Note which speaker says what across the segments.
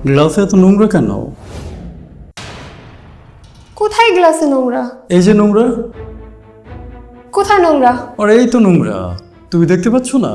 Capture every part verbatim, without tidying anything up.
Speaker 1: গ্লাসে এত নোংরা কেন?
Speaker 2: কোথায় গ্লাসে নোংরা?
Speaker 1: এই যে নোংরা।
Speaker 2: কোথায় নোংরা?
Speaker 1: আর এই তো নোংরা, তুমি দেখতে পাচ্ছ না?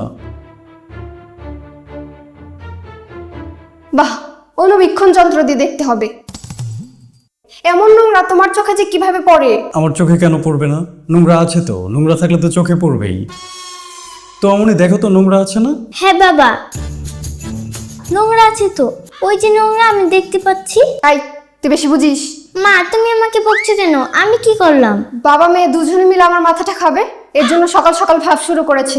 Speaker 2: বাহ, অনুবীক্ষণ যন্ত্র দিয়ে দেখতে হবে। এমন নোংরা তোমার চোখে যে কিভাবে পড়ে?
Speaker 1: আমার চোখে কেন পড়বে না? নোংরা আছে তো, নোংরা থাকলে তো চোখে পড়বেই। তো অমনি দেখো তো নোংরা আছে না?
Speaker 3: হ্যাঁ বাবা, নোংরা আছে তো, ওই যে নোংরা আমি দেখতে পাচ্ছি।
Speaker 2: তাই তুই বেশি বুঝিস।
Speaker 3: মা তুমি আমাকে বকছো কেন? আমি কি করলাম?
Speaker 2: বাবা মেয়ে দুজনে মিলে আমার মাথাটা খাবে, এর জন্য সকাল সকাল ভাব শুরু করেছে।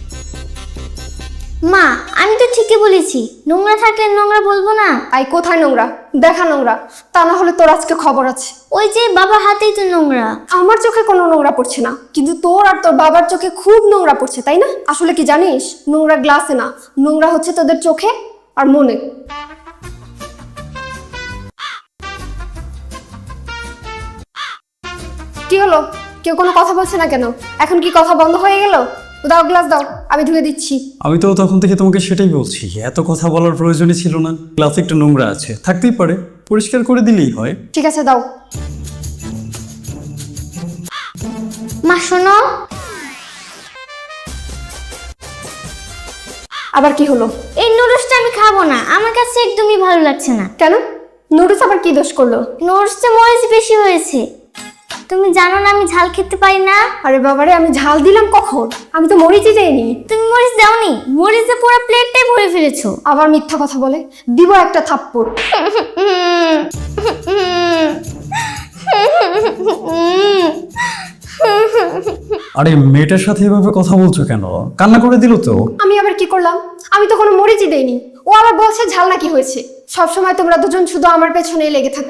Speaker 3: মা আমি তো ঠিকই বলেছি, নোংরা থাকলে নোংরা বলবো না।
Speaker 2: আই কোথায় নোংরা? দেখা নোংরা, তা না হলে তোর আজকে খবর আছে।
Speaker 3: ওই যে বাবার হাতেই তো নোংরা।
Speaker 2: আমার চোখে কোনো নোংরা পড়ছে না, কিন্তু তোর আর তোর বাবার চোখে খুব নোংরা পড়ছে, তাই না? আসলে কি জানিস, নোংরা গ্লাসে না, নোংরা হচ্ছে তোদের চোখে আর মনে। কি হলো, কেউ কোনো কথা বলছে না কেন? এখন কি কথা বন্ধ হয়ে গেল? দাও গ্লাস দাও, আমি ধুয়ে দিচ্ছি।
Speaker 1: আমি তো তখন থেকে তোমাকে সেটাই বলছি, এত কথা বলার প্রয়োজনই ছিল না। গ্লাসে একটু নোংরা আছে, থাকতেই পারে, পরিষ্কার করে দিলেই হয়।
Speaker 2: ঠিক আছে দাও।
Speaker 3: মা শোনো।
Speaker 2: আবার কি হলো?
Speaker 3: এই নুডলসটা আমি খাবো না, আমার কাছে একদমই ভালো লাগছে না।
Speaker 2: কেন? নুডলস আবার কি দোষ করলো?
Speaker 3: নুডলসে মরিচ বেশি হয়েছে। তুমি জানো না আমি ঝাল খেতে পারি না।
Speaker 2: আরে বাবারে, আমি ঝাল দিলাম কখন? আমি তো মরিচই দেইনি।
Speaker 3: তুমি মরিচ দাওনি, মরিচে পুরো প্লেটটাই ভরে ফেলেছো।
Speaker 2: আবার মিথ্যা কথা বলে, দিব একটা থাপ্পড়।
Speaker 1: আরে মেয়েটার সাথে এভাবে কথা বলছো কেন? কান্না করে দিল তো।
Speaker 2: আমি আবার কি করলাম? আমি তো কোনো মরিচই দেইনি। ও আবার বলছে ঝাল নাকি হয়েছে। সব সময় তোমরা দুজন শুধু আমার পেছনেই লেগে থাকো।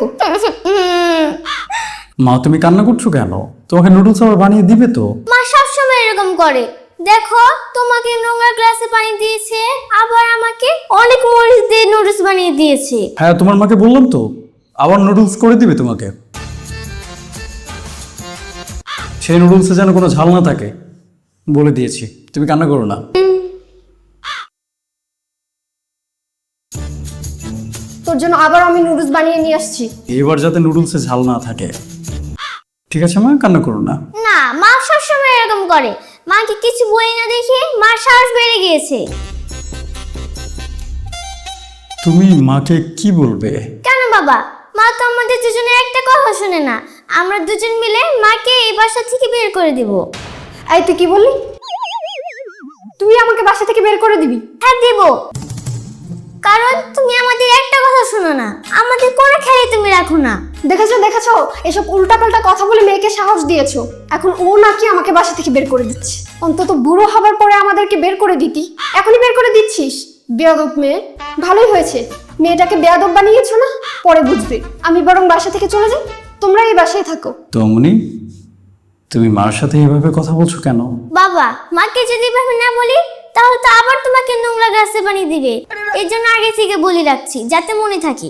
Speaker 1: মা তুমি কান্না করছো কেন? তোমাকে নুডলস আবার বানিয়ে দিবে তো।
Speaker 3: মা সবসময় এরকম করে। দেখো তোমাকে নোংরা গ্লাসে পানি দিয়েছে, আবার আমাকে অনেক মরিচ দিয়ে নুডলস বানিয়ে দিয়েছে।
Speaker 1: হ্যাঁ তোমার মাকে বললাম তো, আবার নুডলস করে দিবে তোমাকে। সেই নুডলসে যেন কোনো ঝাল না থাকে, বলে দিয়েছি। তুমি কান্না করো না।
Speaker 2: তোর জন্য আবার আমি নুডলস বানিয়ে নিয়ে আসছি।
Speaker 1: এবার যাতে নুডলসে ঝাল না থাকে। ঠিক আছে মা, কান্না করো না।
Speaker 3: না, মা সবসময় এরকম করে। মাকে কিছু বই না দেখে মার সাহস বেড়ে গিয়েছে।
Speaker 1: তুমি মাকে কি বলবে?
Speaker 3: কেন বাবা, মা তো আমাদের দুজনের একটা কথা শুনে না। আমরা দুজন মিলে মাকে এই বাসা থেকে বের করে দিব।
Speaker 2: এই তুই কি বললি? তুই আমাকে বাসা থেকে বের করে দিবি?
Speaker 3: হ্যাঁ দিব, কারণ তুমি আমাদের একটা কথা শোনো না, আমাদের কোনো খেয়ালই তুমি রাখো না।
Speaker 2: দেখেছো দেখেছো, এসব উল্টাপাল্টা কথা বলে মেয়েকে সাহস দিয়েছো। এখন ও নাকি আমাকে বাসা থেকে বের করে দিচ্ছে। অন্তত বুড়ো হবার পরে আমাদেরকে বের করে দিতি, এখনই বের করে দিচ্ছিস। বেয়াদব মেয়ে। ভালোই হয়েছে, মেয়েটাকে বেয়াদব বানিয়েছো না? পরে বুঝবে। আমি বরং বাসা থেকে চলে যাই, তোমরা এই বাসায় থাকো।
Speaker 1: তমনি, তুমি মার সাথে এভাবে কথা বলছো কেন?
Speaker 3: বাবা মাকে যদি এভাবে না বলি তাহলে তো আবার তোমাকে নোংরা গ্লাসে বানিয়ে দিবে। এর জন্য আগে থেকে বলে রাখছি, যাতে মনে থাকে।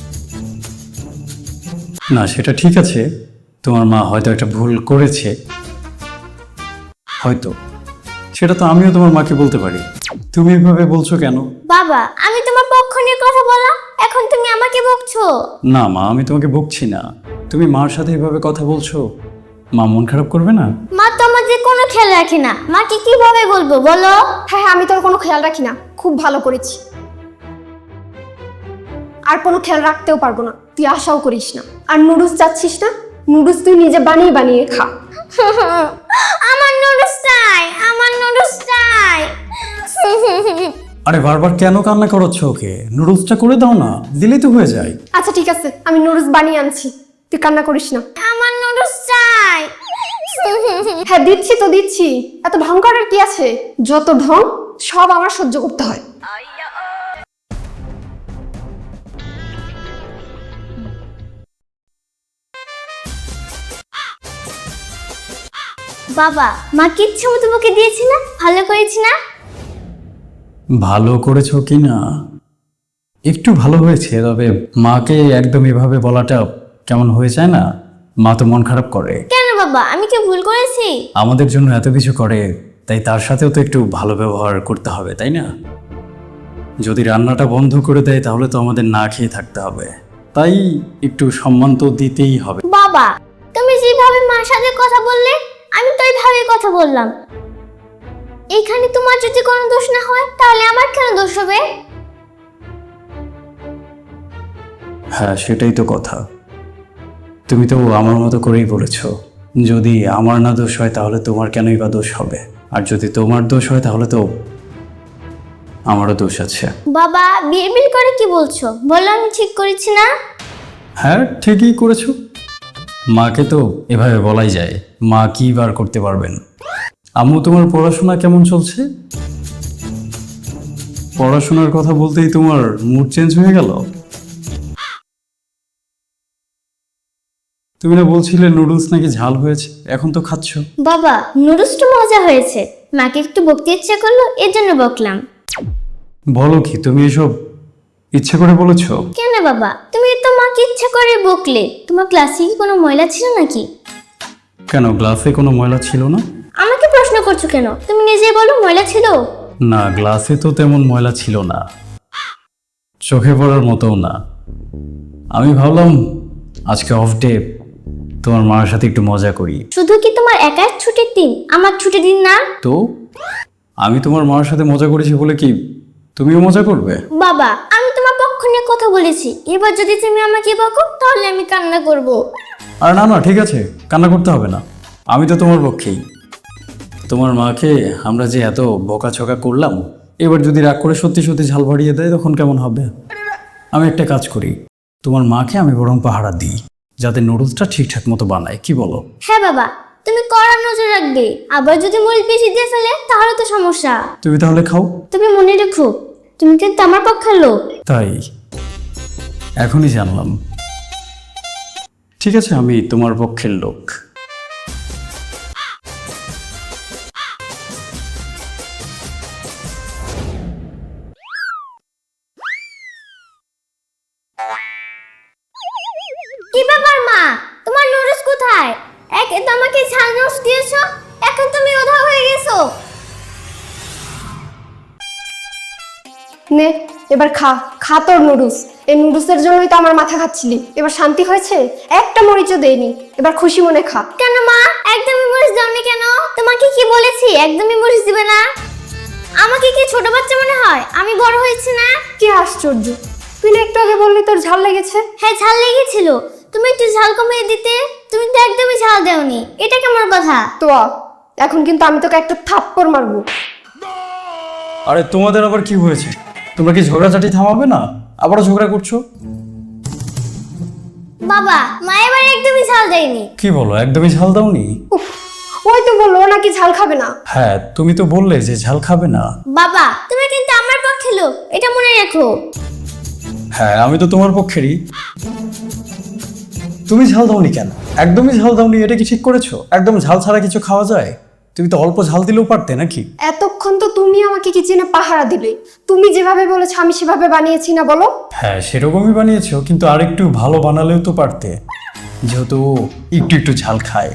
Speaker 1: না সেটা ঠিক আছে, তোমার মা হয়তো একটা ভুল করেছে, হয়তো। সেটা তো আমিও তোমার মাকে বলতে পারি। তুমি এভাবে বলছো কেন?
Speaker 3: বাবা আমি তোমার পক্ষ নিয়ে কথা বলা, এখন তুমি আমাকে বকছো।
Speaker 1: না মা, আমি তোমাকে বকছি না। তুমি মার সাথে এভাবে কথা বলছো, মা মন খারাপ করবে না?
Speaker 3: মা তো আমাদের কোনো খেয়াল রাখে না, মাকে কিভাবে বলবো বলো?
Speaker 2: হ্যাঁ হ্যাঁ, আমি তোর কোনো খেয়াল রাখি না, খুব ভালো করেছি। আর কোনো খেয়াল রাখতেও পারবো না, তুই আশাও করিস না। আর নুডলস চাচ্ছিস না? নুডলস তুই নিজে বানিয়ে বানিয়ে খা।
Speaker 3: আমার নুডলস চাই, আমার নুডলস চাই।
Speaker 1: আরে বারবার কেন কান্না করাচ্ছ ওকে? নুডলসটা করে দাও না, দিলেই তো হয়ে যায়।
Speaker 2: আচ্ছা ঠিক আছে, আমি নুডলস বানিয়ে আনছি, তুই কান্না করিস না।
Speaker 3: আমার নুডলস চাই।
Speaker 2: হ্যাঁ দিচ্ছি তো দিচ্ছি, এত ঢং করার কি আছে? যত ঢং সব আমার সহ্য করতে হয়।
Speaker 3: বাবা মা কিচ্ছু মতো বকে দিয়েছি না? ভালো করেছি না?
Speaker 1: ভালো করেছো কি না একটু ভালো হয়েছে, তবে মাকে একদম এভাবে বলাটা কেমন হয়ে যায় না? মা তো মন খারাপ করে।
Speaker 3: কেন বাবা, আমি কি ভুল করেছি?
Speaker 1: আমাদের জন্য এত কিছু করে, তাই তার সাথেও তো একটু ভালো ব্যবহার করতে হবে, তাই না? যদি রান্নাটা বন্ধ করে দেয় তাহলে তো আমাদের না খেয়ে থাকতে হবে, তাই একটু সম্মান তো দিতেই হবে।
Speaker 3: বাবা, তুমি যেভাবে মার সাথে কথা বললে আমি তো এইভাবে কথা বললাম। এইখানে তোমার যদি কোনো দোষ না হয় তাহলে আমার কেন দোষ হবে?
Speaker 1: হ্যাঁ, সেটাই তো কথা। তুমি তো আমার মতো করেই বলেছ, যদি আমার না দোষ হয় তাহলে তোমার কেনই বা দোষ হবে, আর যদি তোমার দোষ হয় তাহলে তো আমারও দোষ আছে।
Speaker 3: বাবা, বিড়বিড় করে কি বলছো? বললাম আমি ঠিক করেছি না?
Speaker 1: হ্যাঁ, ঠিকই করেছো। মাকে তো এভাবে বলাই যায়, মা কি বার করতে পারবেন। আম্মু, তোমার পড়াশোনা কেমন চলছে? পড়াশোনার কথা বলতেই তোমার মুড চেঞ্জ হয়ে গেল। তুমি না বলছিলে নুডলস নাকি ঝাল হয়েছে, এখন তো খাচ্ছ।
Speaker 3: বাবা, নুডলসটা মজা হয়েছে, মাকে একটু বকতে ইচ্ছে করলো এর জন্য বকলাম।
Speaker 1: বলো কি, তুমি এসব ইচ্ছে করে বলেছো?
Speaker 3: কেন বাবা, তুমি তো মাকে ইচ্ছে করে বকলে। তোমার ক্লাসে কি কোনো ময়লা ছিল নাকি?
Speaker 1: কেন, গ্লাসে কোনো ময়লা ছিল না?
Speaker 3: আমাকে প্রশ্ন করছো কেন? তুমি নিজে বলো ময়লা ছিল।
Speaker 1: না, গ্লাসে তো তেমন ময়লা ছিল না, চোখে পড়ার মতোও না। আমি ভাবলাম আজকে অফ ডে, তোমার মার সাথে একটু মজা করি।
Speaker 3: শুধু কি তোমার একার ছুটির দিন? আমার ছুটির দিন না?
Speaker 1: তো আমি তোমার মার সাথে মজা করেছি বলে কি তুমিও মজা করবে?
Speaker 3: বাবা, আমি তোমার পক্ষ নিয়ে কথা বলেছি। এবার যদি তুমি আমাকে বকো তাহলে আমি কান্না করব।
Speaker 1: আর না না, ঠিক আছে, কান্না করতে হবে না, আমি তো তোমার পক্ষেই। তোমার মাকে আমরা যে এত বকাঝকা করলাম, এবার যদি রাগ করে সত্যি সত্যি ঝাল বাড়িয়ে দেয় তখন কেমন হবে? আমি একটা কাজ করি, তোমার মাকে আমি বরং পাহারা দিই, যাতে নুডলসটা ঠিকঠাক মতো বানায়, কি বলো?
Speaker 3: হ্যাঁ বাবা, তুমি কড়া নজর রাখবে। আবার যদি মরিচ বেশি দিয়ে ফেলে তাহলে তো সমস্যা।
Speaker 1: তুমি তাহলে খাও।
Speaker 3: তুমি মনে রেখো, তুমি কিন্তু আমার পক্ষের লোক।
Speaker 1: তাই? এখনই জানলাম। ঠিক আছে, আমি তোমার পক্ষের লোক।
Speaker 3: কি ব্যাপার মা, তোমার নুডলস কোথায়? একে তো আমাকে ঝাল নুডলস দিয়েছো, এখন তুমি উধাও হয়ে গেছো।
Speaker 2: নে, এবার খা খা তোর নুডলস। এই নুডলসের জন্যই তো আমার মাথা খাচ্ছিলি। এবার শান্তি হয়েছে? একটা মরিচও দেয়নি, এবার খুশি মনে খা।
Speaker 3: কেন মা, একদমই মরিচ দাওনি কেন? তোমাকে কি বলেছি একদমই মরিচ দিবে না? আমাকে কি ছোট বাচ্চা মনে হয়? আমি বড় হয়েছি না?
Speaker 2: কি আশ্চর্য, তুই না একটু আগে বললি তোর ঝাল লেগেছে।
Speaker 3: হ্যাঁ, ঝাল লেগেছিল। তুমি একটু ঝাল কমিয়ে দিতে। তুমি তো একদমই ঝাল দেওনি, এটা কেমন কথা?
Speaker 2: তো এখন কিন্তু আমি তোকে একটা থাপ্পড় মারবো।
Speaker 1: আরে তোমাদের আবার কি হয়েছে? তোমরা কি ঝগড়াঝাটি থামাবে না? আবারও ঝগড়া করছো?
Speaker 3: বাবা, মা এবার একদমই ঝাল দেয়নি।
Speaker 1: কি বলো, একদমই ঝাল দাওনি?
Speaker 2: উফ, ওই তো বললো ও নাকি ঝাল খাবে না।
Speaker 1: হ্যাঁ, তুমি তো বললে যে ঝাল খাবে না।
Speaker 3: বাবা, তুমি কিন্তু আমার পক্ষে লোক, এটা মনে রেখো।
Speaker 1: হ্যাঁ, আমি তো তোমার পক্ষেরই। তুমি ঝাল দাওনি কেন? একদমই ঝাল দাওনি, এটা কি ঠিক করেছো? একদম ঝাল ছাড়া কিছু খাওয়া যায়? তুমি তো অল্প ঝাল দিলেও পারতে নাকি?
Speaker 2: এতক্ষণ তো তুমি আমাকে কিচেনে পাহারা দিলে। তুমি যেভাবে বলেছো আমি সেভাবে বানিয়েছি না বলো?
Speaker 1: হ্যাঁ, সেরকমই বানিয়েছো, কিন্তু আর একটু ভালো বানালেও তো পারতে, যেহেতু ও একটু একটু ঝাল খায়।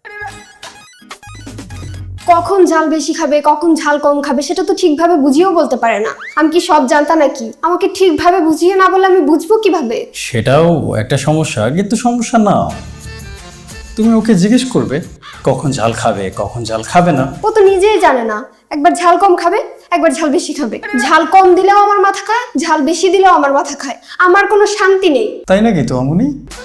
Speaker 2: কখন ঝাল বেশি খাবে কখন ঝাল কম খাবে সেটা তো ঠিকভাবে বুঝিয়েও বলতে পারে না। আমি কি সব জানতা নাকি? আমাকে ঠিকভাবে বুঝিয়ে না বলে আমি বুঝবো কিভাবে?
Speaker 1: সেটাও একটা সমস্যা, কিন্তু সমস্যা না, তুমি ওকে জিজ্ঞেস করবে কখন ঝাল খাবে কখন ঝাল খাবে না।
Speaker 2: ও তো নিজেই জানে না, একবার ঝাল কম খাবে একবার ঝাল বেশি খাবে। ঝাল কম দিলেও আমার মাথা খায়, ঝাল বেশি দিলেও আমার মাথা খায়। আমার কোনো শান্তি নেই।
Speaker 1: তাই নাকি তো আমনি?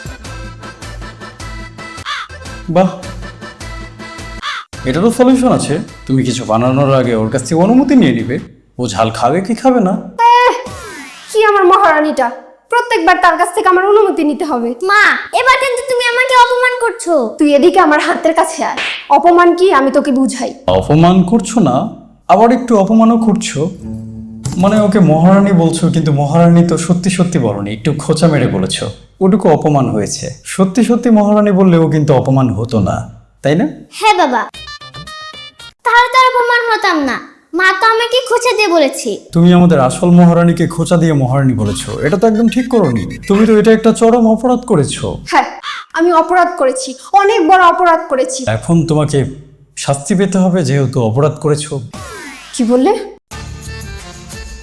Speaker 1: বাহ, এটারও সলিউশন আছে। তুমি কিছু বানানোর আগে ওর কাছ থেকে অনুমতি নিয়ে নিবে, ও ঝাল খাবে কি খাবে না।
Speaker 2: কি আমার মহারানীটা, প্রত্যেকবার তার কাছ থেকে আমার অনুমতি নিতে হবে।
Speaker 3: মা, এবার কিন্তু তুমি আমাকে অপমান করছো।
Speaker 2: তুই এদিকে আমার হাতের কাছে আয়। অপমান কি আমি তোকে বুঝাই।
Speaker 1: অপমান করছো না, আবার একটু অপমানও করছো। মানে ওকে মহারানী বলছো, কিন্তু মহারানী তো সত্যি সত্যি বলনি, একটু খোঁচা মেরে বলেছো, ওটুকু অপমান হয়েছে। সত্যি সত্যি মহারানী বললেও কিন্তু অপমান হতো না, তাই না?
Speaker 3: হ্যাঁ বাবা, তাহলে তো আর অপমান হতাম না। মা তো আমাকে খোঁচা দিয়ে বলেছে।
Speaker 1: তুমি আমাদের আসল মহারানীকে খোঁচা দিয়ে মহারানী বলেছো, এটা তো একদম ঠিক করোনি। তুমি তো এটা একটা চরম অপরাধ করেছো।
Speaker 2: হ্যাঁ, আমি অপরাধ করেছি, অনেক বড় অপরাধ করেছি।
Speaker 1: এখন তোমাকে শাস্তি পেতে হবে, যেহেতু অপরাধ করেছো।
Speaker 2: কি বললে?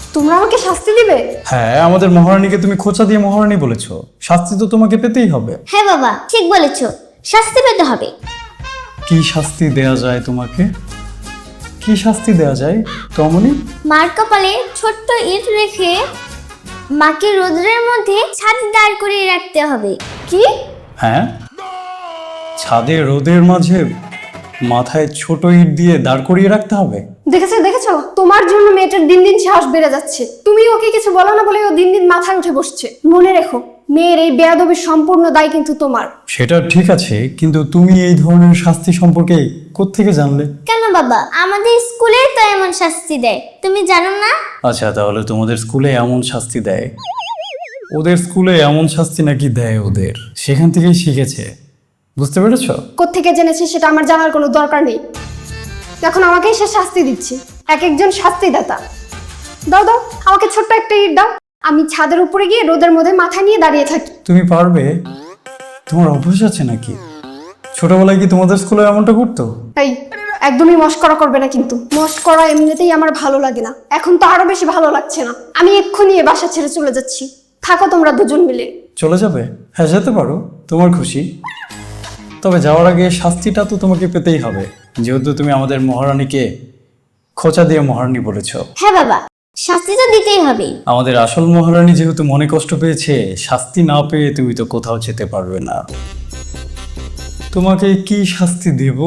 Speaker 2: তোমরা আমাকে শাস্তি দিবে?
Speaker 1: হ্যাঁ, আমাদের মহারানীকে তুমি খোঁচা দিয়ে মহারানী বলেছো, শাস্তি তো তোমাকে পেতেই হবে।
Speaker 3: হ্যাঁ বাবা, ঠিক বলেছো, শাস্তি পেতে হবে।
Speaker 1: কি শাস্তি দেয়া যায় তোমাকে? কি শাস্তি দেয়া যায় তমনি?
Speaker 3: মার কপালে ছোট্ট ইট রেখে মাকে রোদ্রের মধ্যে ছাদে দাঁড় করিয়ে রাখতে হবে।
Speaker 2: কি?
Speaker 1: হ্যাঁ, ছাদে রোদের মাঝে মাথায় ছোট ইট দিয়ে দাঁড় করিয়ে রাখতে হবে।
Speaker 2: দেখেছো দেখেছো, তোমার জন্য মেয়েটার দিন দিন সাহস বেড়ে যাচ্ছে। তুমি ওকে কিছু বলো না বলে ও দিন দিন মাথায় উঠে বসছে। মনে রেখো, মেয়ের এই বেয়াদবির সম্পূর্ণ দায় কিন্তু তোমার।
Speaker 1: সেটা ঠিক আছে, কিন্তু তুমি এই ধরনের শাস্তি সম্পর্কে কোত্থেকে জানলে?
Speaker 3: কেন বাবা, আমাদের স্কুলে তো এমন শাস্তি দেয়, তুমি জানো না?
Speaker 1: আচ্ছা, তাহলে তোমাদের স্কুলে এমন শাস্তি দেয়? ওদের স্কুলে এমন শাস্তি নাকি দেয় ওদের, সেখান থেকেই শিখেছে, বুঝতে পেরেছো?
Speaker 2: কোত্থেকে জেনেছে সেটা আমার জানার কোনো দরকার নেই। এখন আমাকেই সে শাস্তি দিচ্ছে, এক একজন শাস্তিদাতা। দাও দাও, আমাকে ছোট্ট একটা ইট দাও, আমি ছাদের উপরে গিয়ে রোদের মধ্যে মাথা নিয়ে দাঁড়িয়ে থাকি।
Speaker 1: তুমি পারবে? তোমার অভ্যাস আছে নাকি? ছোটবেলায় কি তোমাদের স্কুলে এমনটা করতো?
Speaker 2: এই, একদমই মস্করা করবে না কিন্তু। মস্করা এমনিতেই আমার ভালো লাগে না, এখন তো আরো বেশি ভালো লাগছে না। আমি এক্ষুনি এ বাসা ছেড়ে চলে যাচ্ছি, থাকো তোমরা দুজন মিলে।
Speaker 1: চলে যাবে? হ্যাঁ, যেতে পারো, তোমার খুশি। তবে যাওয়ার আগে শাস্তিটা তো তোমাকে পেতেই হবে, যেহেতু তুমি আমাদের মহারানীকে খোঁচা দিয়ে মহারানী বলেছ।
Speaker 3: হ্যাঁ বাবা, শাস্তি তো দিতেই হবে।
Speaker 1: আমাদের আসল মহারানী যেহেতু মনে কষ্ট পেয়েছে, শাস্তি না পেয়ে তুমি তো কোথাও যেতে পারবে না। তোমাকে কি শাস্তি দেব?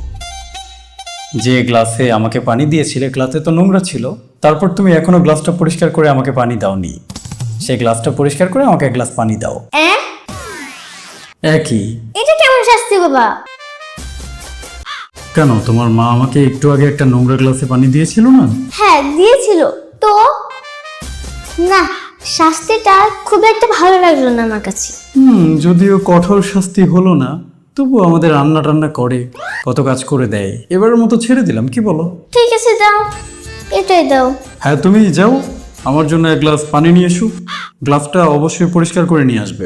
Speaker 1: যে গ্লাসে আমাকে পানি দিয়েছিলে, গ্লাসে তো নোংরা ছিল, তারপর তুমি এখনো গ্লাসটা পরিষ্কার করে আমাকে পানি দাওনি। সেই গ্লাসটা পরিষ্কার করে আমাকে এক গ্লাস পানি দাও।
Speaker 3: অ্যাঁ?
Speaker 1: একই।
Speaker 3: এটা কেমন শাস্তি বাবা?
Speaker 1: কেন, তোমার মা আমাকে একটু আগে একটা নোংরা গ্লাসে পানি দিয়েছিল না?
Speaker 3: হ্যাঁ দিয়েছিল তো। না, শাস্তিটা খুব একটা ভালো লাগলো না আমার কাছে।
Speaker 1: হুম, যদিও কঠোর শাস্তি হলো না, তবু আমাদের রান্না টান্না করে কত কাজ করে দেয়। এবারের মতো ছেড়ে দিলাম, কি বলো?
Speaker 3: ঠিক আছে দাও, এটাই দাও।
Speaker 1: হ্যাঁ, তুমি যাও, আমার জন্য এক গ্লাস পানি নিয়ে এসো। গ্লাসটা অবশ্যই পরিষ্কার করে নিয়ে আসবে।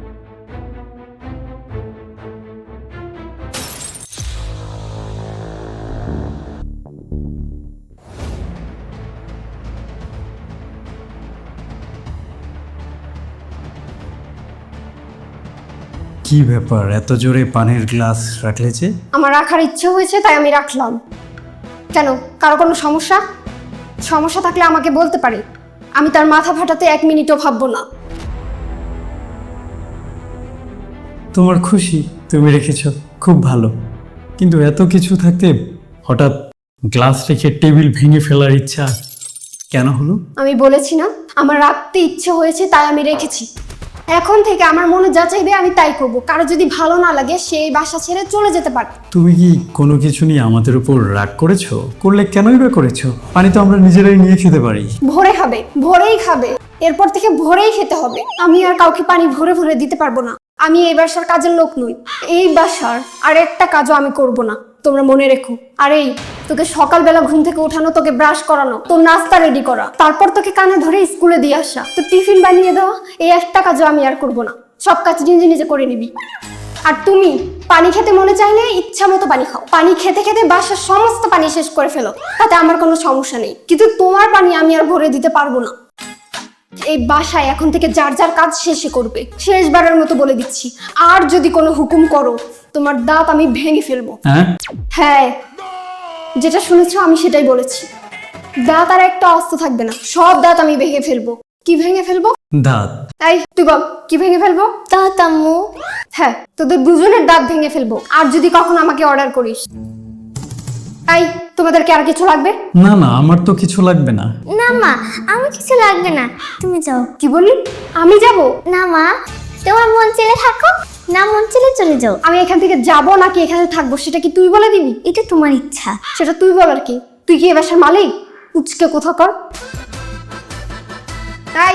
Speaker 1: কি ব্যাপার, এত জোরে পানির গ্লাস রাখলে যে?
Speaker 2: আমার রাখার ইচ্ছে হয়েছে তাই আমি রাখলাম। কেন, কারো কোনো সমস্যা? সমস্যা থাকলে আমাকে বলতে পারে, আমি তার মাথা ফাটাতে এক মিনিটও ভাববো না।
Speaker 1: তোমার খুশি, তুমি রেখেছ, খুব ভালো। কিন্তু এত কিছু থাকতে হঠাৎ গ্লাস রেখে টেবিল ভেঙে ফেলার ইচ্ছা কেন হলো?
Speaker 2: আমি বলেছি না, আমার রাখতে ইচ্ছে হয়েছে তাই আমি রেখেছি। এখন থেকে আমার মনে যা চাইবে আমি তাই করব। কারো যদি ভালো না লাগে সেই বাসা ছেড়ে চলে যেতে পারে।
Speaker 1: তুমি কি কোনো কিছু নিয়ে আমাদের উপর রাগ করেছো? করলে কেনই বা করেছো? পানি তো আমরা নিজেরাই নিয়ে খেতে পারি।
Speaker 2: ভোরে খাবে, ভোরেই খাবে, এরপর থেকে ভোরেই খেতে হবে। আমি আর কাউকে পানি ভরে ভরে দিতে পারবো না। আমি এই বাসার কাজের লোক নই, এই বাসার আর একটা কাজও আমি করব না, তোমরা মনে রেখো। আর এই, তোকে সকালবেলা ঘুম থেকে ওঠানো, তোকে ব্রাশ করানো, তোর নাস্তা রেডি করা, তারপর তোকে কানে ধরে স্কুলে দিয়ে আসা, তোর টিফিন বানিয়ে দেওয়া, এই একটা কাজও আমি আর করব না। সব কাজ নিজে নিজে করে নিবি। আর তুমি পানি খেতে মনে চাইলে ইচ্ছা মতো পানি খাও, পানি খেতে খেতে বাসার সমস্ত পানি শেষ করে ফেলো, তাতে আমার কোনো সমস্যা নেই। কিন্তু তোমার পানি আমি আর ভরে দিতে পারবো না। এই বাসায় এখন থেকে যার যার কাজ শেষে করবে, শেষবারের মতো বলে দিচ্ছি। আর যদি কোনো হুকুম করো, তোমার দাঁত আমি ভেঙে ফেলবো।
Speaker 1: হ্যাঁ
Speaker 2: হ্যাঁ, যেটা শুনেছো আমি সেটাই বলেছি। দাঁত আর একটা অস্ত থাকবে না, সব দাঁত আমি ভেঙে ফেলবো। কি ভেঙে ফেলবো?
Speaker 1: দাঁত?
Speaker 2: এই তুই বল, কি ভেঙে ফেলবো?
Speaker 3: দাঁত আম্মু।
Speaker 2: হ্যাঁ, তোদের দুজনের দাঁত ভেঙে ফেলবো। আর যদি কখনো আমাকে অর্ডার করিস। এই, তোমাদেরকে আর কিছু লাগবে?
Speaker 1: না না, আমার তো কিছু লাগবে না।
Speaker 3: না মা, আমার কিছু লাগবে না, তুমি যাও।
Speaker 2: কি বললি? আমি যাব?
Speaker 3: না মা, তোমার মন চেলে থাকো, না মন চেলে চলে যাও।
Speaker 2: আমি এখান থেকে যাব নাকি এখানে থাকবো সেটা কি তুই বলে দিবি?
Speaker 3: এটা তোমার ইচ্ছা।
Speaker 2: সেটা তুই বল আর কি। তুই কি এ বাসার মালিক? উচকে কোথা কর। তাই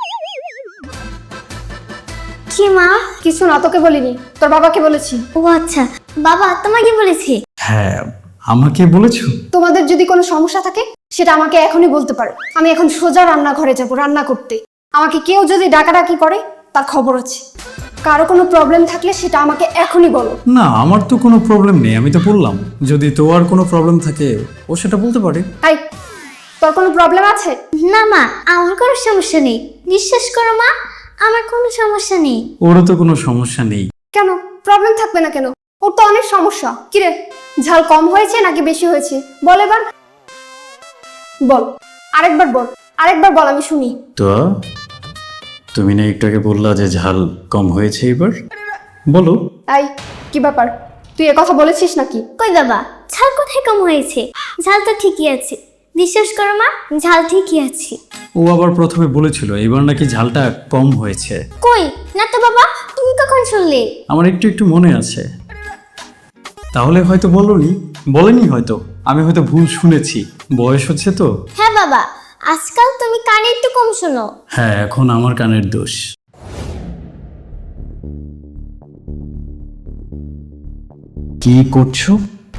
Speaker 3: কি মা?
Speaker 2: কিছু না, তোকে বলিনি, তোর বাবাকে বলেছি।
Speaker 3: ও আচ্ছা, বাবা তোমাকে বলেছে?
Speaker 1: হ্যাঁ, আমাকে বলেছো?
Speaker 2: তোমাদের যদি কোনো সমস্যা থাকে সেটা আমাকে এখনই বলতে পারো। আমি এখন সোজা রান্নাঘরে যাব রান্না করতে। আমাকে কেউ যদি ডাকাডাকি করে তার খবর আছে। কারো কোনো প্রবলেম থাকলে সেটা আমাকে এখনই বলো।
Speaker 1: না, আমার তো কোনো প্রবলেম নেই, আমি তো বললাম। যদি তোমার কোনো প্রবলেম থাকে ও সেটা বলতে পারে।
Speaker 2: তাই তোর কোনো প্রবলেম আছে?
Speaker 3: না মা, আমার কোনো সমস্যা নেই। বিশ্বাস করো মা, আমার কোনো সমস্যা নেই।
Speaker 1: ওরও তো কোনো সমস্যা নেই।
Speaker 2: কেন প্রবলেম থাকবে না কেন? ওর তো অনেক সমস্যা। কিরে, ঝাল কম হয়েছে নাকি বেশি হয়েছে? বল এবার, বল, আরেকবার বল, আরেকবার বল, আমি শুনি।
Speaker 1: তো তুমি না একটু আগে বললা যে ঝাল কম হয়েছে, এবার বলো।
Speaker 2: এই, কি ব্যাপার? তুই এ কথা বলেছিস নাকি?
Speaker 3: কই বাবা, ঝাল কোথায় কম হয়েছে? ঝাল তো ঠিকই আছে। বিশ্বাস করো মা, ঝাল ঠিকই আছে।
Speaker 1: ও আবার প্রথমে বলেছিল এবার নাকি ঝালটা কম হয়েছে।
Speaker 3: কই না তো বাবা, তুমি কখন শুনলে?
Speaker 1: আমার একটু একটু মনে আছে। তাহলে হয়তো বলনি, বলেনি হয়তো, আমি হয়তো ভুল শুনেছি। বয়স হচ্ছে তো।
Speaker 3: হ্যাঁ বাবা, আজকাল তুমি কানে একটু কম শোনো।
Speaker 1: হ্যাঁ, এখন আমার কানের দোষ। কি করছো?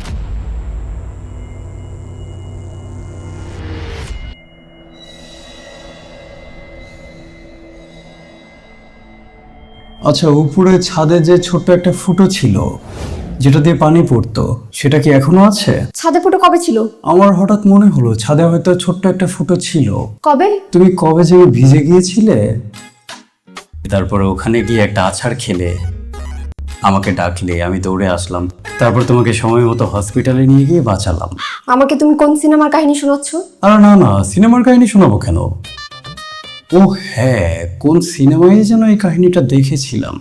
Speaker 1: আচ্ছা, উপরে ছাদে যে ছোট্ট একটা ফুটো ছিল যেটা দিয়ে পানি পড়তো, সেটা কি এখনো আছে?
Speaker 2: ছাদে ফুটো কবে ছিল?
Speaker 1: আমার হঠাৎ মনে হলো ছাদে হয়তো ছোট্ট একটা ফুটো ছিল।
Speaker 2: কবে?
Speaker 1: তুমি কবে যে ভিজে গিয়েছিলে, তারপরে ওখানে গিয়ে একটা আছাড় খেলে আমাকে ডাকলে, আমি দৌড়ে আসলাম, তারপর তোমাকে সময় মতো হসপিটালে নিয়ে গিয়ে বাঁচালাম।
Speaker 2: আমাকে তুমি কোন সিনেমার কাহিনী শোনাচ্ছ?
Speaker 1: আর না না, সিনেমার কাহিনী শোনাবো কেন? ও হ্যাঁ, কোন সিনেমায় যেন এই কাহিনীটা দেখেছিলাম।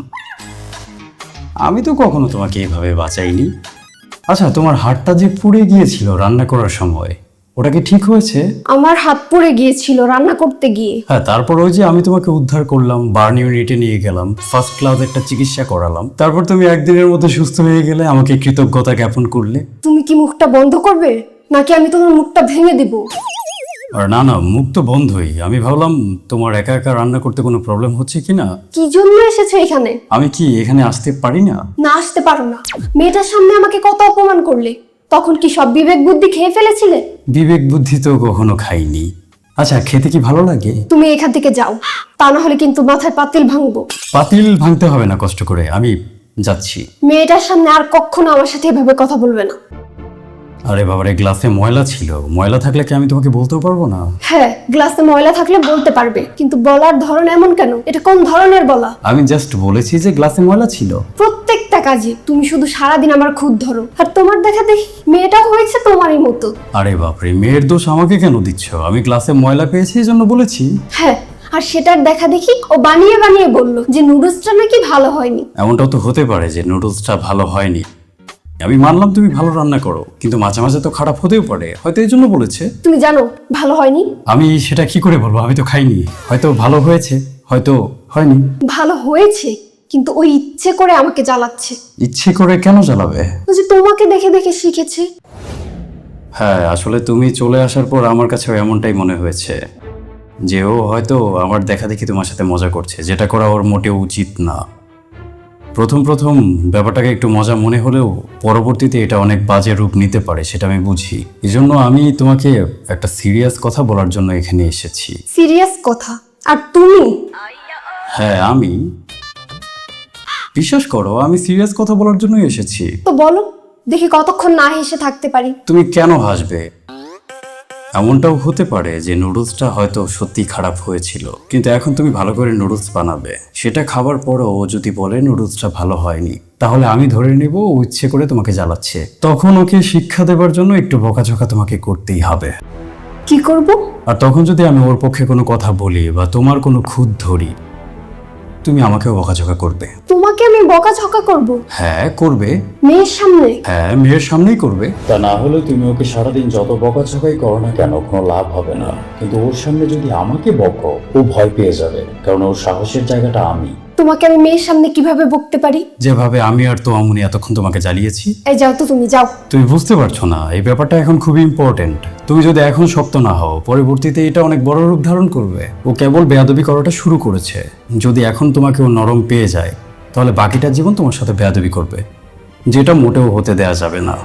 Speaker 1: আমি তো কখনো তোমাকে এইভাবে বাঁচাইনি। আচ্ছা, তোমার হাতটা যে পুড়ে গিয়েছিল রান্না করার সময়, ওটা কি ঠিক হয়েছে?
Speaker 2: আমার হাত পুড়ে গিয়েছিল রান্না করতে গিয়ে।
Speaker 1: হ্যাঁ, তারপর ওই যে আমি তোমাকে উদ্ধার করলাম, বার্ন ইউনিটে নিয়ে গেলাম, ফার্স্ট ক্লাস একটা চিকিৎসা করালাম, তারপর তুমি একদিনের মধ্যে সুস্থ হয়ে গেলে, আমাকে কৃতজ্ঞতা জ্ঞাপন করলে।
Speaker 2: তুমি কি মুখটা বন্ধ করবে নাকি আমি তোমার মুখটা ভেঙে দিব?
Speaker 1: আর না না, মুখ তো বন্ধই। আমি ভাবলাম তোমার একা একা রান্না করতে কোনো প্রবলেম হচ্ছে কিনা।
Speaker 2: কি জন্য এসেছো এখানে?
Speaker 1: আমি কি এখানে আসতে পারি না?
Speaker 2: না, আসতে পারো না। মেয়েটার সামনে আমাকে কত অপমান করলে, তখন কি সব বিবেক বুদ্ধি খেয়ে ফেলেছিলে?
Speaker 1: বিবেক বুদ্ধি তো কখনো খাইনি। আচ্ছা, খেতে কি ভালো লাগে?
Speaker 2: তুমি এখান থেকে যাও, তা না হলে কিন্তু মাথায় পাতিল ভাঙবো।
Speaker 1: পাতিল ভাঙতে হবে না কষ্ট করে, আমি যাচ্ছি।
Speaker 2: মেয়েটার সামনে আর কখনো আমার সাথে এভাবে কথা বলবে না।
Speaker 1: আরে বাবারে, গ্লাসে ময়লা ছিল। ময়লা থাকলে কি আমি তোমাকে বলতেও পারবো না?
Speaker 2: হ্যাঁ, গ্লাসে ময়লা থাকলে বলতে পারবে, কিন্তু বলার ধরন এমন কেন? এটা কোন ধরনের বলা?
Speaker 1: আমি জাস্ট বলেছি যে গ্লাসে ময়লা ছিল।
Speaker 2: প্রত্যেকটা কাজে তুমি শুধু সারাদিন আমার খুদ ধরো, আর তোমার দেখা দেখি মেয়েটাও হয়েছে তোমারই মতো।
Speaker 1: আরে বাপরে, মেয়ের দোষ আমাকে কেন দিচ্ছ? আমি গ্লাসে ময়লা পেয়েছি এই জন্য বলেছি।
Speaker 2: হ্যাঁ, আর সেটার দেখা দেখি ও বানিয়ে বানিয়ে বলল যে নুডলসটা নাকি ভালো হয়নি।
Speaker 1: এমনটাও তো হতে পারে যে নুডলসটা ভালো হয়নি। আমি মানলাম তুমি ভালো রান্না করো, কিন্তু মাঝে মাঝে তো খারাপ হতেও পারে, হয়তো এই জন্য বলেছে।
Speaker 2: তুমি জানো ভালো হয়নি?
Speaker 1: আমি সেটা কি করে বলবো? আমি তো খাইনি। হয়তো ভালো হয়েছে, হয়তো হয়নি।
Speaker 2: ভালো হয়েছে, কিন্তু ওই ইচ্ছে করে আমাকে জ্বালাচ্ছে।
Speaker 1: ইচ্ছে করে কেন জ্বালাবে?
Speaker 2: ও যে তোমাকে দেখে দেখে শিখেছে।
Speaker 1: হ্যাঁ, আসলে তুমি চলে আসার পর আমার কাছেও এমনটাই মনে হয়েছে যে ও হয়তো আমার দেখা দেখি তোমার সাথে মজা করছে, যেটা করা ওর মোটেও উচিত না। প্রথম প্রথম ব্যাপারটাকে একটু মজা মনে হলেও পরবর্তীতে এটা অনেক বাজে রূপ নিতে পারে, সেটা আমি বুঝি। এই জন্য আমি তোমাকে একটা সিরিয়াস কথা বলার জন্য এখানে এসেছি।
Speaker 2: সিরিয়াস কথা? আর তুমি?
Speaker 1: হ্যাঁ, আমি, বিশ্বাস করো, আমি সিরিয়াস কথা বলার জন্যই এসেছি।
Speaker 2: তো বলো দেখি কতক্ষণ না হেসে থাকতে পারি।
Speaker 1: তুমি কেন হাসবে? এমনটাও হতে পারে যে নুডলসটা হয়তো সত্যি খারাপ হয়েছিল, কিন্তু এখন তুমি ভালো করে নুডলস বানাবে, সেটা খাবার পরও ও যদি বলে নুডলসটা ভালো হয়নি, তাহলে আমি ধরে নেব ও ইচ্ছে করে তোমাকে জ্বালাচ্ছে। তখন ওকে শিক্ষা দেবার জন্য একটু বকাঝকা তোমাকে করতেই হবে।
Speaker 2: কি করব?
Speaker 1: আর তখন যদি আমি ওর পক্ষে কোনো কথা বলি বা তোমার কোনো খুঁত ধরি, তুমি আমাকেও বকাঝকা করবে।
Speaker 2: তোমাকে আমি বকাঝকা করব?
Speaker 1: হ্যাঁ, করবে।
Speaker 2: মেয়ের সামনে?
Speaker 1: হ্যাঁ, মেয়ের সামনেই করবে। তা না হলে তুমি ওকে সারাদিন যত বকাঝকাই করো না কেন, কোনো লাভ হবে না। কিন্তু ওর সামনে যদি আমাকে বকো, ও ভয় পেয়ে যাবে, কারণ ওর সাহসের জায়গাটা আমি।
Speaker 2: তোমাকে আমি মেয়ের সামনে কিভাবে বকতে পারি?
Speaker 1: যেভাবে আমি আর তো আমুনি এতক্ষণ তোমাকে জ্বালিয়েছি।
Speaker 2: এই যাও তো, তুমি যাও।
Speaker 1: তুমি বুঝতে পারছো না, এই ব্যাপারটা এখন খুবই ইম্পর্টেন্ট। তুমি যদি এখন শক্ত না হও, পরবর্তীতে এটা অনেক বড় রূপ ধারণ করবে। ও কেবল বেয়াদবি করাটা শুরু করেছে। যদি এখন তোমাকে ও নরম পেয়ে যায়, তাহলে বাকিটা জীবন তোমার সাথে বেয়াদবি করবে, যেটা মোটেও হতে দেয়া যাবে না।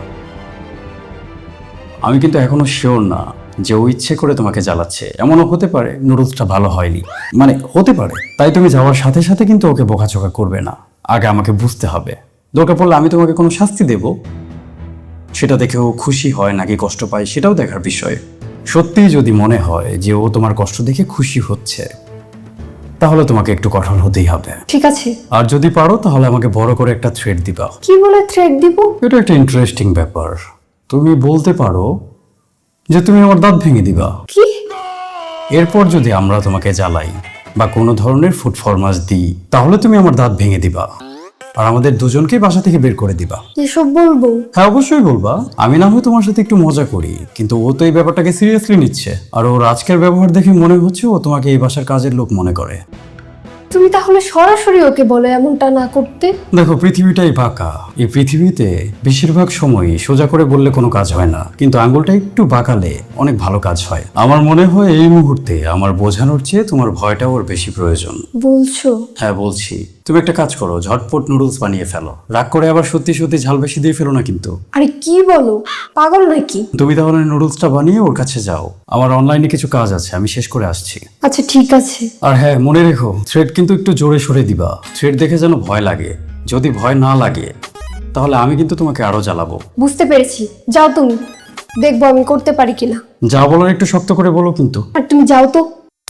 Speaker 1: আমি কিন্তু এখনো শিওর না যে ও ইচ্ছে করে তোমাকে জ্বালাচ্ছে। এমনও হতে পারে নুডলসটা ভালো হয়নি, মানে হতে পারে। তাই তুমি যাওয়ার সাথে সাথে কিন্তু ওকে বকাঝকা করবে না, আগে আমাকে বুঝতে হবে। দরকার পড়লে আমি তোমাকে কোনো শাস্তি দেব, সেটা দেখে ও খুশি হয় নাকি কষ্ট পায় সেটাও দেখার বিষয়। সত্যিই যদি মনে হয় যে ও তোমার কষ্ট দেখে খুশি হচ্ছে, তাহলে তোমাকে একটু কঠোর হতেই হবে।
Speaker 2: ঠিক আছে।
Speaker 1: আর যদি পারো তাহলে আমাকে বড় করে একটা থ্রেড দিবা।
Speaker 2: কি বলে থ্রেড দিব?
Speaker 1: এটা একটা ইন্টারেস্টিং ব্যাপার। তুমি বলতে পারো যে তুমি আমার দাঁত ভেঙে দিবা।
Speaker 2: কি?
Speaker 1: এরপর যদি আমরা তোমাকে জ্বালাই বা কোনো ধরনের ফুড ফরমাস দিই, তাহলে তুমি আমার দাঁত ভেঙে দিবা আর আমাদের দুজনকে বাসা থেকে বের করে দিবা।
Speaker 2: এসব বলবো?
Speaker 1: হ্যাঁ, অবশ্যই বলবা। আমি না হয় তোমার সাথে একটু মজা করি, কিন্তু ও তো এই ব্যাপারটাকে সিরিয়াসলি নিচ্ছে। আর ওর আজকের ব্যবহার দেখে মনে হচ্ছে ও তোমাকে এই বাসার কাজের লোক মনে করে।
Speaker 2: তুমি তাহলে সরাসরি ওকে বলো এমনটা না করতে।
Speaker 1: দেখো, পৃথিবীটাই বাঁকা। এই পৃথিবীতে বেশিরভাগ সময়ই সোজা করে বললে কোনো কাজ হয় না, কিন্তু আঙ্গুলটা একটু বাঁকালে অনেক ভালো কাজ হয়। আমার মনে হয় এই মুহূর্তে আমার বোঝানোর চেয়ে তোমার ভয়টা ওর বেশি প্রয়োজন।
Speaker 2: বলছো?
Speaker 1: হ্যাঁ, বলছি। তুমি একটা কাজ করো, ঝটপট নুডলস বানিয়ে ফেলো। রাগ করে আবার সত্যি সত্যি ঝাল বেশি দিয়ে ফেলো না কিন্তু।
Speaker 2: আরে কি বলো, পাগল নাকি?
Speaker 1: তুমি তাহলে নুডলসটা বানিয়ে ওর কাছে যাও। আমার অনলাইনে কিছু কাজ আছে, আমি শেষ করে আসছি।
Speaker 2: আচ্ছা ঠিক আছে।
Speaker 1: আর হ্যাঁ, মনে রেখো, থ্রেড কিন্তু একটু জোরে সরে দিবা। থ্রেড দেখে যেন ভয় লাগে। যদি ভয় না লাগে তাহলে আমি কিন্তু তোমাকে আরো জ্বালাবো।
Speaker 2: বুঝতে পেরেছি, যাও তুমি, দেখবো আমি করতে পারি কিনা।
Speaker 1: যা বলার একটু শক্ত করে বলো কিন্তু।
Speaker 2: আর তুমি যাও তো।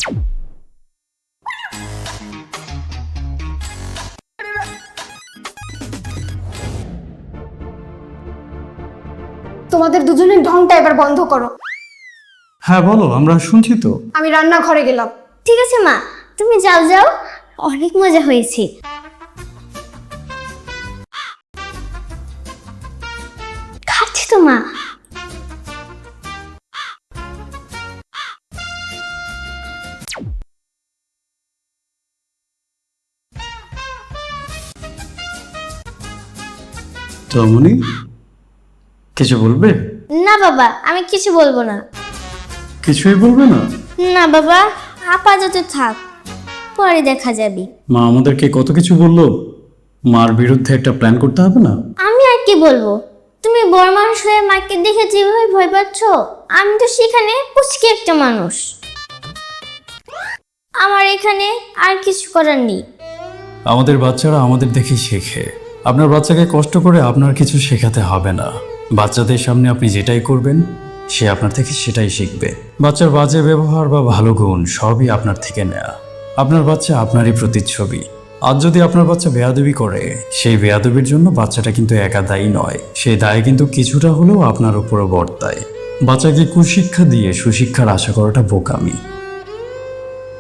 Speaker 2: তোমাদের দুজনের ঢংটা এবার বন্ধ করো।
Speaker 1: হ্যাঁ বলো, আমরা শুনছি তো।
Speaker 2: আমি রান্নাঘরে গেলাম।
Speaker 3: ঠিক আছে মা, তুমি যাও যাও, অনেক মজা হয়েছে। খাচ্ছি তো মা।
Speaker 1: তমনি কিছু বলবে?
Speaker 3: না বাবা, আমি কিছু বলবো না।
Speaker 1: কিছুই বলবে না?
Speaker 3: না বাবা, আপাতত থাক, পরে দেখা যাবে।
Speaker 1: মা আমাদেরকে কত কিছু বললো। মার বিরুদ্ধে একটা প্ল্যান করতে হবে না?
Speaker 3: আমি আর কি বলবো, তুমি বড় মানুষ হয়ে মাকে দেখে যেভাবে ভয় পাচ্ছ, আমি তো সেখানে পুচকে একটা মানুষ। আমার এখানে আর কিছু করার নেই।
Speaker 1: আমাদের বাচ্চারা আমাদের দেখে শেখে। আপনার বাচ্চাকে কষ্ট করে আপনার কিছু শেখাতে হবে না। বাচ্চাদের সামনে আপনি যেটাই করবেন সে আপনার থেকে সেটাই শিখবে। বাচ্চার বাজে ব্যবহার বা ভালো গুণ সবই আপনার থেকে নেয়া। আপনার বাচ্চা আপনারই প্রতিচ্ছবি। আজ যদি আপনার বাচ্চা বেয়াদবি করে, সেই বেয়াদবির জন্য বাচ্চাটা কিন্তু একা দায়ী নয়। সেই দায় কিন্তু কিছুটা হলেও আপনার উপরও বর্তায়। বাচ্চাকে কুশিক্ষা দিয়ে সুশিক্ষার আশা করাটা বোকামি।